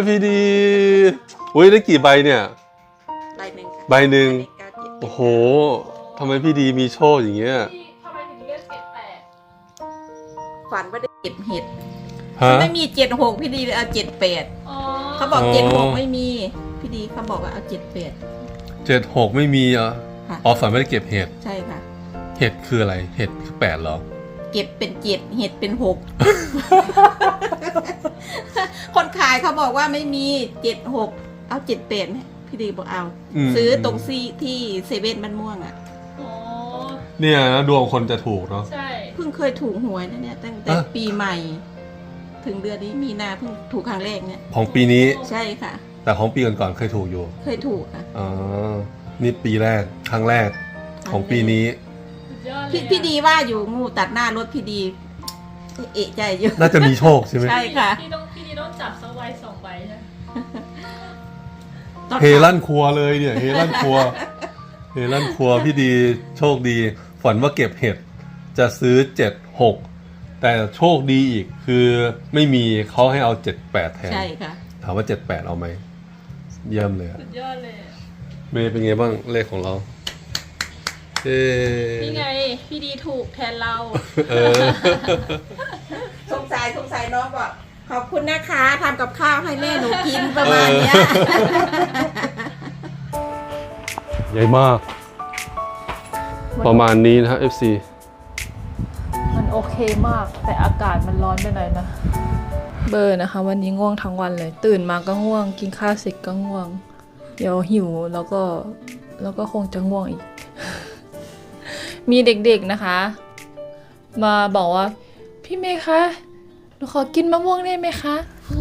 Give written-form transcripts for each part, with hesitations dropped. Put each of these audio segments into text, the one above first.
พี่ดีอุ้ยได้กี่ใบเนี่ยใบหนึ่งค่ะใบหนึ่งใบเก้าเจ็ดโอ้โหทำไมพี่ดีมีโชคอย่างเงี้ยทำไมถึงเลือก78 ฝันว่าได้เก็บเห็ดฮะไม่มี76พี่ดีเลยเอา78 อ๋อเขาบอกอ๋อ 76ไม่มีพี่ดีเขาบอกว่าเอา 76ไม่มีอ่ะค่ะอ๋อฝันไม่ได้เก็บเห็ดใช่ค่ะเห็ดคืออะไรเห็ดคือ8เหรอเก็บเป็น7เห็ดเป็น6 คนขายเขาบอกว่าไม่มี76เอา78พี่ดีบอกเอา ซื้อตรงซีที่เซเว่นมันม่วงอ่ะอ๋อเนี่ยนะดวงคนจะถูกเนาะใช่เพิ่งเคยถูกหวยนะเนี่ยตั้งแต่อ่ะปีใหม่ ถึงเดือนนี้มีนาเพิ่งถูกครั้งแรกเนี่ยของปีนี้ใช่ค่ะแต่ของปีก่อนๆเคยถูกอยู่เคยถูกค่ะอ๋อนี่ปีแรกครั้งแรกของปีนี้สุดยอดเลยพี่ดีว่าอยู่งูตัดหน้ารถพี่ดี เอะใจอยู่น่าจะมีโชคใช่ไหมใช่ค่ะพี่ดีต้องจับสไว2 ใบใช่ไหมเฮลั่นครัวเลยเนี่ยเฮลั่นครัวเฮลั่นครัวพี่ดีโชคดีฝันว่าเก็บเห็ดจะซื้อ76แต่โชคดีอีกคือไม่มีเขาให้เอา78แทนใช่ค่ะถามว่า78เอาไหมเยี่ยมเลยอะสุดยอดเลยเมย์เป็นไงบ้างเลขของเราเอ๊นี่ไงพี่ดีถูกแทนเราเออสงสัยน้องบอกขอบคุณนะคะทำกับข้าวให้แม่หนูกินประมาณเนี้ยใหญ่มาก ประมาณนี้นะครับ FC มันโอเคมากแต่อากาศมันร้อนไปหน่อยนะ เบอร์นะคะ วันนี้ง่วงทั้งวันเลย ตื่นมาก็ง่วง กินข้าวเสร็จก็ง่วง เดี๋ยวหิวแล้วก็คงจะง่วงอีก มีเด็กๆนะคะ มาบอกว่า พี่เมย์คะหนูขอกินมะม่วงได้ไหมคะ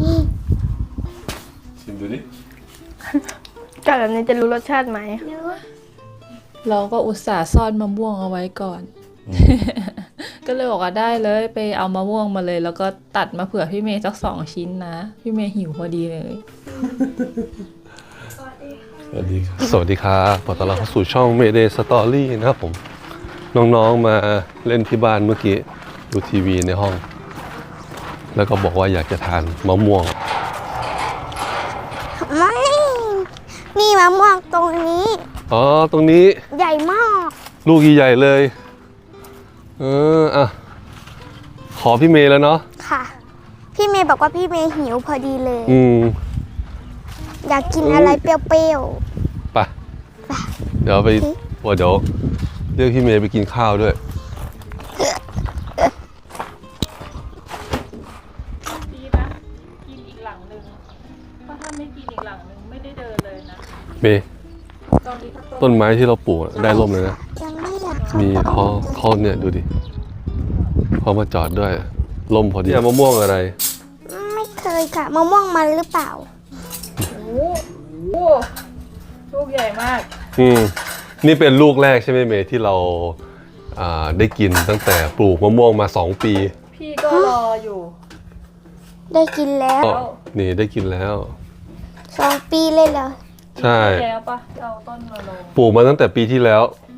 ชิมดูดิกัดแบบนี้จะรู้รสชาติไหมเราก็อุตส่าห์ซ่อนมะม่วงเอาไว้ก่อน ก็เลยบอกว่าได้เลยไปเอามะม่วงมาเลย แล้วก็ตัดมาเผื่อพี่เมย์สัก2 ชิ้นนะ พี่เมย์หิวพอดีเลยสวัสดีครับสวัสดีครับขอต้อนรับเข้าสู่ช่อง Mayday Story นะครับผม น้องๆมาเล่นที่บ้านเมื่อกี้ดูทีวีในห้อง แล้วก็บอกว่าอยากจะทานมะม่วงนี่มะม่วงตรงนี้อ๋อ ตรงนี้ใหญ่มากลูกใหญ่ๆเลย อ่ะ ขอพี่เมย์แล้วเนาะค่ะ พี่เมย์บอกว่าพี่เมย์หิวพอดีเลย อยากกินอะไรเปรี้ยวไปเดี๋ยวไปว่าเดี๋ยวเรียกพี่เมย์ไปกินข้าวด้วยดีนะ กินอีกหลังนึงเพราะถ้าไม่กินอีกหลังนึงไม่ได้เดินเลยนะเมย์ต้นไม้ที่เราปลูกได้ร่มเลยนะๆยังไม่อยากมีเขาเนี่ยดูดิเขามาจอดด้วยร่มพอดีมะม่วงอะไรไม่เคยค่ะมะม่วงมันหรือเปล่าโอ้โหลูกใหญ่มากนี่เป็นลูกแรกใช่ไหมเมย์ที่เราได้กินตั้งแต่ปลูกมะม่วงมา2 ปีพี่ก็รออยู่ได้กินแล้วก็นี่ได้กินแล้ว 2 ปีเลยเหรอใช่แล้วปะเอาต้นมาลงปลูกมาตั้งแต่ปีที่แล้ว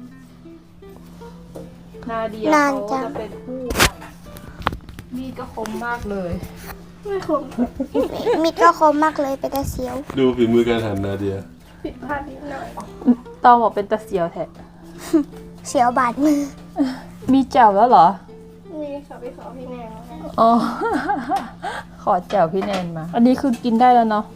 นาเดียเขาจะเป็นผู้มีดก็คมมากเลยมีดก็คมมากเลยไปแต่เสียวดูฝีมือการหั่นนาเดียต้องบอกเป็นตะเสียวแท้เสียวบาดมือมีแจ่วแล้วเหรอมีค่ะไปขอพี่แนงอ๋อ ขอแจ่วพี่แนนมา อันนี้คือกินได้แล้วเนาะ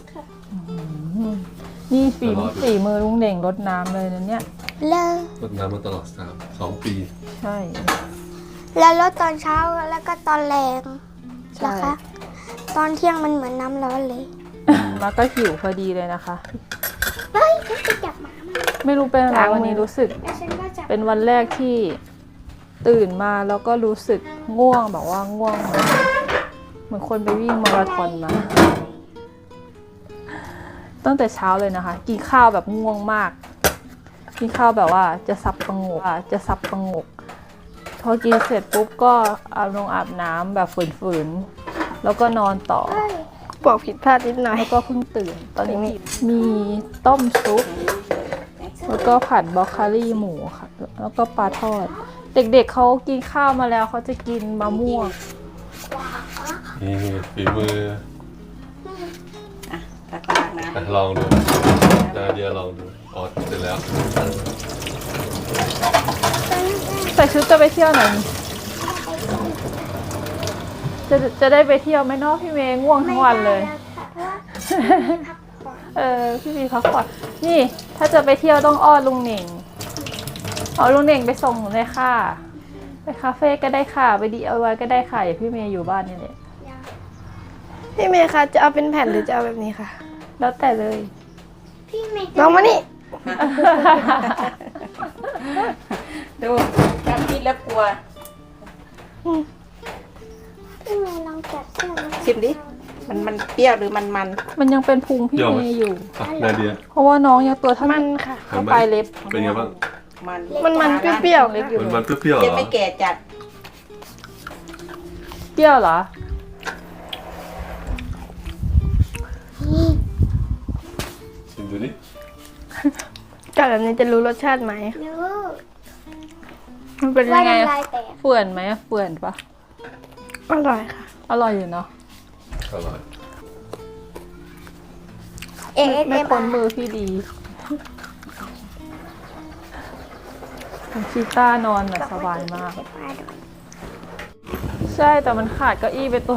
นี่ฝีมือลุงเด่งรดน้ำเลยนะเนี่ยเลิกรดน้ำมาตลอด2 ปีใช่แล้วรดตอนเช้าแล้วก็ตอนแรงใช่นะคะ ตอนเที่ยงมันเหมือนน้ำร้อนเลยแล้วก็หิวพอดีเลยนะคะเฮ้ยฉันไปจับหมามาไม่รู้เป็นอะไรวันนี้รู้สึกแล้วฉันก็จับเป็นวันแรกที่ตื่นมาแล้วก็รู้สึกง่วงแบบว่าง่วงเหมือนคนไปวิ่งมาราธอนมาตั้งแต่เช้าเลยนะคะ กินข้าวแบบง่วงมาก กินข้าวแบบว่าจะสับประงกพอกินเสร็จปุ๊บก็อาบน้ำแบบฝืนๆแล้วก็นอนต่อบอกผิดพลาดนิดหน่อยแล้วก็เพิ่งตื่น ตอนนี้มีต้มซุป แล้วก็ผัดบรอกโคลีหมูค่ะ แล้วก็ปลาทอด เด็กๆเขากินข้าวมาแล้วเขาจะกินมะม่วงนี่ฝีมืออ่ะตานะลองดูนาเดียลองดูอ๋อเสร็จแล้วใส่ชุดจะไปเที่ยวไหนจะได้ไปเที่ยวไหมเนาะพี่เมย์ง่วงทั้งวันเลย พี่มีพักผ่อนนี่ถ้าจะไปเที่ยวต้องอ้อนลุงเหน่งเอาลุงเหน่งไปส่งเลยค่ะไปคาเฟ่ก็ได้ค่ะไปDIYก็ได้ค่ะอย่าพี่เมย์อยู่บ้านนี่แหละพี่เมย์คะจะเอาเป็นแผ่นหรือจะเอาแบบนี้ค่ะแล้วแต่เลยพี่เมย์ลองมานี่ดูทำคิดแล้วกลัวพี่เมย์ลองจับเสื้อมาชิมดิมันเปรี้ยวหรือมันมันยังเป็นพุงพี่เมย์อยู่นาเดียเพราะว่าน้องยังตัวเท่ามันค่ะเท่าปลายเล็บเป็นไงบ้างมันเปรี้ยวๆเล็ค่ะกอยู่มันเปรี้ยวๆเหรยังอไม่แก่จัดเปรี้ยวเหรอชิมดูดิกัดแบบนี้จะรู้รสชาติไหมรู้มันเป็นว่ายังไงน้ำลายแตกเฟื่อนไหมเฟื่อนปะอร่อยค่ะอร่อยอยู่เนาะอร่อยไม่พ้นมือพี่ดีชีต้านอนแบบสบายมาก ใช่แต่มันขาดเก้าอี้ไปตัว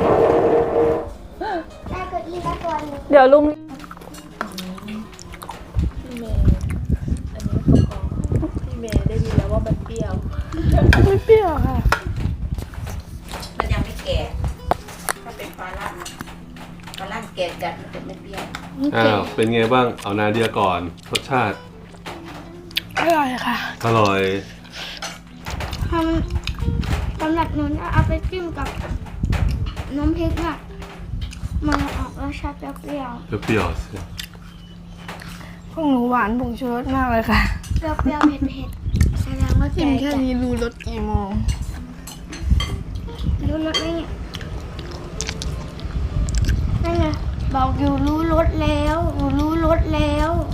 ได้เก้าอี้มาตัวหนึงเดี๋ยวลุงพี่เมย์ได้ยินแล้วว่ามันเปรี้ยวไม่เปรี้ยวค่ะมันยังไม่แก่ถ้าเป็นปลาล่างแก่จัดมันจะไม่เปรี้ยวอ้าวเป็นไงบ้างเอานาเดียก่อนรสชาติอร่อยค่ะอร่อยสำหรับหนูนะเอาไปจิ้มกับน้ำพริกอะมันออกรสชาติเปรี้ยวเปรี้ยวๆสิพวกหนูหวานผงชูรสมากเลยค่ะๆเปรี้ยวๆเผ็ดๆแสดงว่าชิแก่มแค่จัดนี้รู้รสกี่โมงรู้รสไหมเนี่ยนั่นไงบอกอยู่รู้รสแล้วรู้รสแล้ว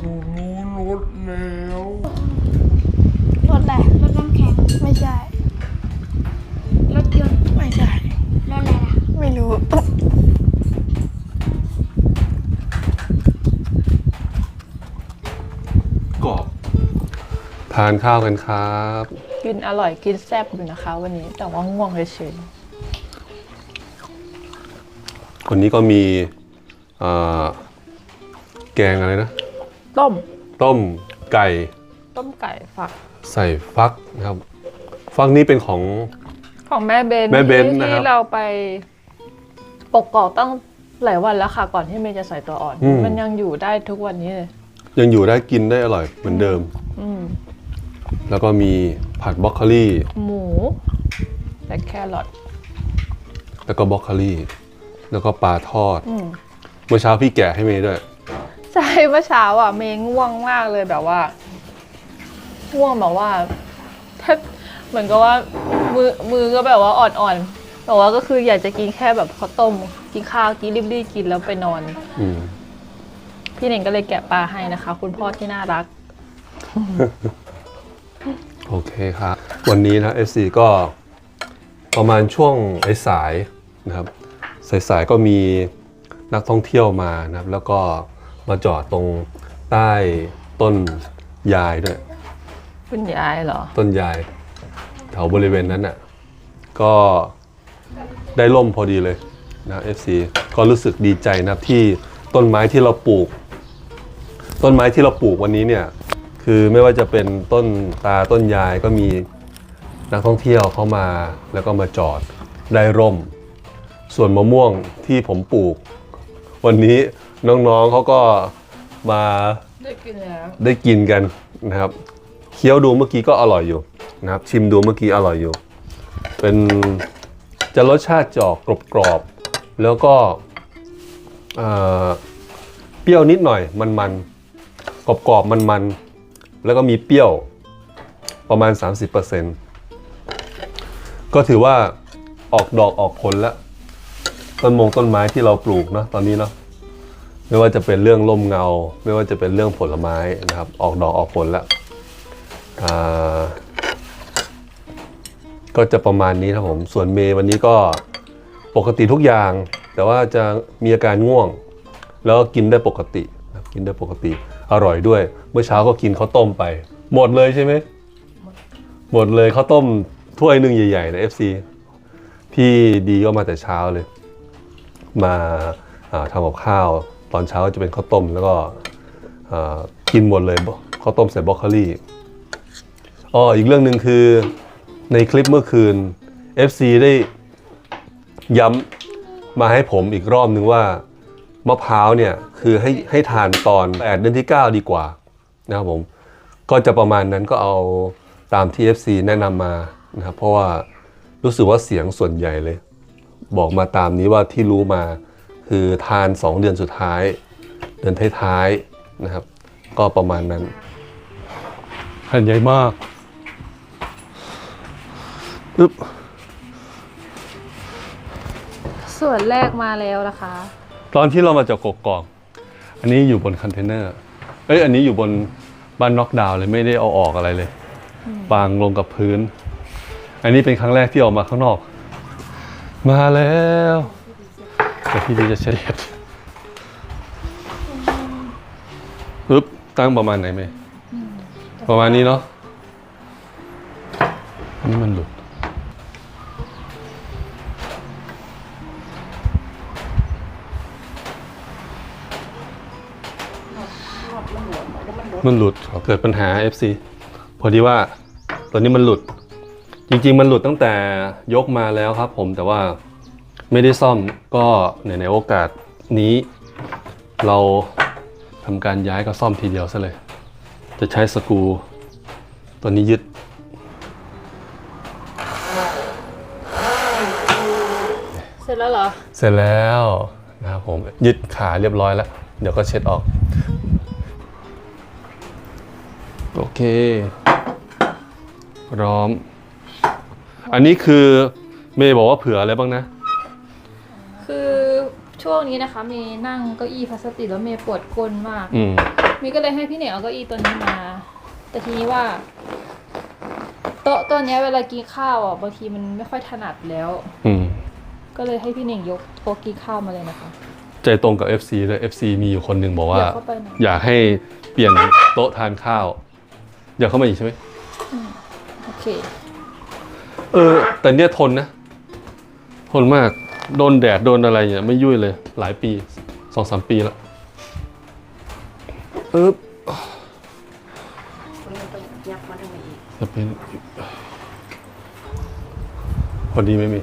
รสอะไรรสน้ำแข็งไม่ใช่รสยนต์ไม่ใช่รสอะไรล่ะไม่รู้กรอบทานข้าวกันครับกินอร่อยกินแซ่บอยู่นะคะ วันนี้แต่ว่าง่วงเฉยวันนี้ก็มีแกงอะไรนะๆต้มต้มไก่ต้มไก่ฝักใส่ฟักนะครับ ฟักนี้เป็นของของแม่เบนแม่เบนนะครับที่เราไปปกกอกตั้งหลายวันแล้วค่ะ ก่อนที่เมย์จะใส่ตัวอ่อน มันยังอยู่ได้ทุกวันนี้เลยยังอยู่ได้กินได้อร่อยเหมือนเดิมอืมแล้วก็มีผัดบรอกโคลีหมูและแครอทแล้วก็บรอกโคลีแล้วก็ปลาทอดอืมเมื่อเช้าพี่แกะให้เมย์ด้วยใช่เมื่อเช้าอ่ะเมย์ง่วงมากเลยแบบว่าง่วงแบบว่าแทบเหมือนกับว่ามือก็แบบว่าอ่อนๆแต่ว่าก็คืออยากจะกินแค่แบบข้าวต้มกินข้าวกินรีบๆกินแล้วไปนอนอืมพี่เน่งก็เลยแกะปลาให้นะคะ คุณพ่อที่น่ารักโอเคครับ วันนี้นะ FC ก็ประมาณช่วงสายๆนะครับสายๆก็มีนักท่องเที่ยวมานะครับ แล้วก็มาจอดตรงใต้ต้นยายด้วยคุณยายเหรอต้นยายแถวบริเวณนั้นน่ะก็ได้ร่มพอดีเลยนะ FC ก็รู้สึกดีใจนะครับที่ต้นไม้ที่เราปลูก วันนี้เนี่ยคือไม่ว่าจะเป็นต้นตาต้นยายก็มีนักท่องเที่ยวเข้ามาแล้วก็มาจอดได้ร่ม ส่วนมะม่วงที่ผมปลูก วันนี้น้องๆเขาก็มาได้กินแล้วได้กินกันนะครับเคี้ยวดูเมื่อกี้ก็อร่อยอยู่นะครับ ชิมดูเมื่อกี้อร่อยอยู่ เป็นจะรสชาติจะออกกรอบๆแล้วก็เปรี้ยวนิดหน่อยมันๆกรอบๆมันๆแล้วก็มีเปรี้ยวประมาณ 30%ก็ถือว่าออกดอกออกผลแล้วต้นไม้ที่เราปลูกเนาะตอนนี้เนาะไม่ว่าจะเป็นเรื่องร่มเงาไม่ว่าจะเป็นเรื่องผลไม้นะครับออกดอกออกผลแล้วก็จะประมาณนี้ครับผมส่วนเมย์วันนี้ก็ปกติทุกอย่างแต่ว่าจะมีอาการง่วงแล้วก็กินได้ปกตินะครับกินได้ปกติอร่อยด้วย เมื่อเช้าก็กินข้าวต้มไปหมดเลยใช่ไหมหมดเลยข้าวต้มถ้วยหนึ่งใหญ่ๆนะ FC พี่ดีก็มาแต่เช้าเลยมาทำกับข้าวตอนเช้าจะเป็นข้าวต้มแล้วก็กินหมดเลยข้าวต้มใส่บรอกโคลีอีกเรื่องหนึ่งคือในคลิปเมื่อคืน FC ได้ย้ำมาให้ผมอีกรอบนึงว่ามะพร้าวเนี่ยคือให้ทานตอน8 เดือนที่ 9 ดีกว่านะครับผมก็จะประมาณนั้นก็เอาตามที่ FC แนะนำมานะครับเพราะว่ารู้สึกว่าเสียงส่วนใหญ่เลยบอกมาตามนี้ว่าที่รู้มาคือทาน2 เดือนสุดท้ายเดือนท้ายๆนะครับก็ประมาณนั้นแผ่นใหญ่มากปึ๊บส่วนแรกมาแล้วนะคะตอนที่เรามาจากกกอกอันนี้อยู่บนคอนเทนเนอร์อันนี้อยู่บนบ้านน็อกดาวน์เลยไม่ได้เอาออกอะไรเลยปางลงกับพื้นอันนี้เป็นครั้งแรกที่ออกมาข้างนอกมาแล้วแต่พี่ดีจะเฉลี่ยปึ๊บตั้งประมาณไหนไหมประมาณนี้เนาะอันนี้มันหลุดมันหลุดเกิดปัญหา FC พอดีว่าตัวนี้มันหลุดจริงๆมันหลุดตั้งแต่ยกมาแล้วครับผมแต่ว่าไม่ได้ซ่อมก็ในโอกาสนี้เราทำการย้ายก็ซ่อมทีเดียวซะเลยจะใช้สกรูตัวนี้ยึดเสร็จแล้วเหรอเสร็จแล้วนะครับผมยึดขาเรียบร้อยแล้วเดี๋ยวก็เช็ดออกโอเคพร้อมอันนี้คือเมย์บอกว่าเผื่ออะไรบ้างนะคือช่วงนี้นะคะเมย์นั่งเก้าอี้พลาสติกแล้วเมย์ปวดก้นมากเมย์ก็เลยให้พี่เหนียวเอาเก้าอี้ตัวนี้มาแต่ทีนี้ว่าโต๊ะตัวนี้เวลากินข้าวบางทีมันไม่ค่อยถนัดแล้วก็เลยให้พี่เหน่งยกโต๊ะกินข้าวมาเลยนะคะใจตรงกับ FC เลย FC มีอยู่คนหนึ่งบอกว่าอยากให้เปลี่ยนโต๊ะทานข้าวอยากเข้ามาอีกใช่ไหมโอเคแต่เนี่ยทนนะทนมากโดนแดดโดนอะไรเนี่ยไม่ยุ่ยเลยหลายปี 2-3 ปีแล้วจะเป็นพอดีไม่มี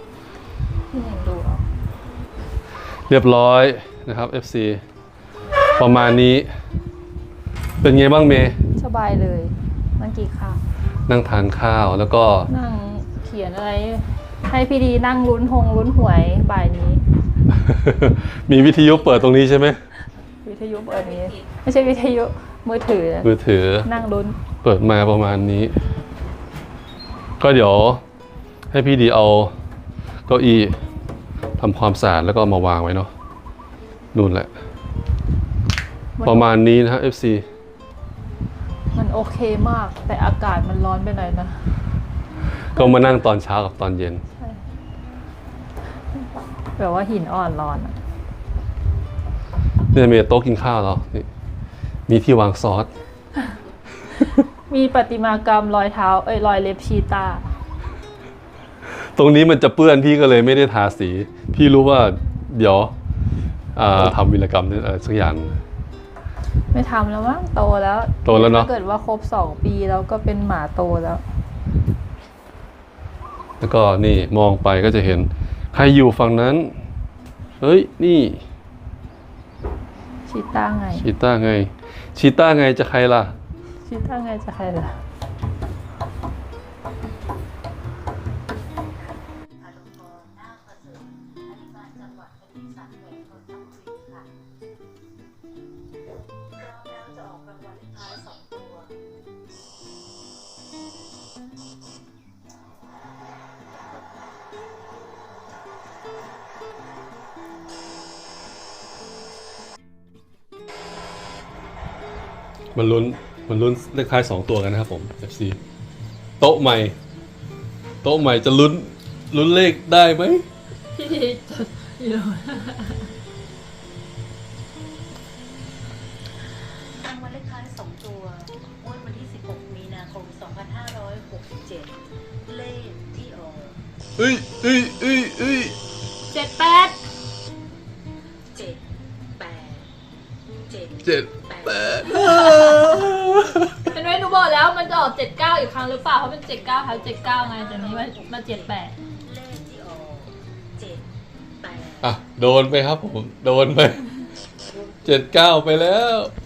เรียบร้อยนะครับ FC ประมาณนี้เป็นไงบ้างเมย์สบายเลยนั่งกินข้าวนั่งทานข้าวแล้วก็นั่งเขียนอะไรให้พี่ดีนั่งลุ้นหวยบ่ายนี้มีวิทยุเปิดตรงนี้ใช่ไหมวิทยุเปิดนี้ไม่ใช่วิทยุมือถือนั่งลุ้นเปิดมาประมาณนี้ก็เดี๋ยวให้พี่ดีเอาเก้าอี้ทำความสะอาดแล้วก็มาวางไว้เนาะนู่นแหละประมาณนี้นะครับ FC มันโอเคมากแต่อากาศมันร้อนไปหน่อยนะก็มานั่งตอนเช้ากับตอนเย็นแบบว่าหินอ่อนร้อนเนี่ยมีโต๊ะกินข้าวเรามีที่วางซอสมีประติมากรรมรอยเท้ารอยเล็บชีตาตรงนี้มันจะเปื้อนพี่ก็เลยไม่ได้ทาสีพี่รู้ว่าเดี๋ยวทำวีรกรรมอะไรสักอย่างไม่ทำแล้วมั้งโตแล้วเนาะถ้าเกิดว่าครบ2 ปีแล้วก็เป็นหมาโตแล้วก็นี่มองไปก็จะเห็นใครอยู่ฝั่งนั้นเฮ้ยนี่ชีต้าไงชีต้าไงจะใครล่ะชีต้าไงจะใครล่ะมันลุ้นเลขท้าย2 ตัวกันนะครับผม FC โต๊ะใหม่จะลุ้นเลขได้ไหมางวัลเลขท้าย2ตัวงวดวันที่ 16 มีนาคม 2567 เลขที่ออกเอ้ย 78 7 8 7 7 8 เห็นไหมหนูบอกแล้วมันจะออก79อีกครั้งหรือเปล่าเพราะเป็น79ท้าย79ไงแต่นี้มา78 เลขที่ออก7 8 อ่ะโดนไปครับผมโดนไป 79 ไปแล้ว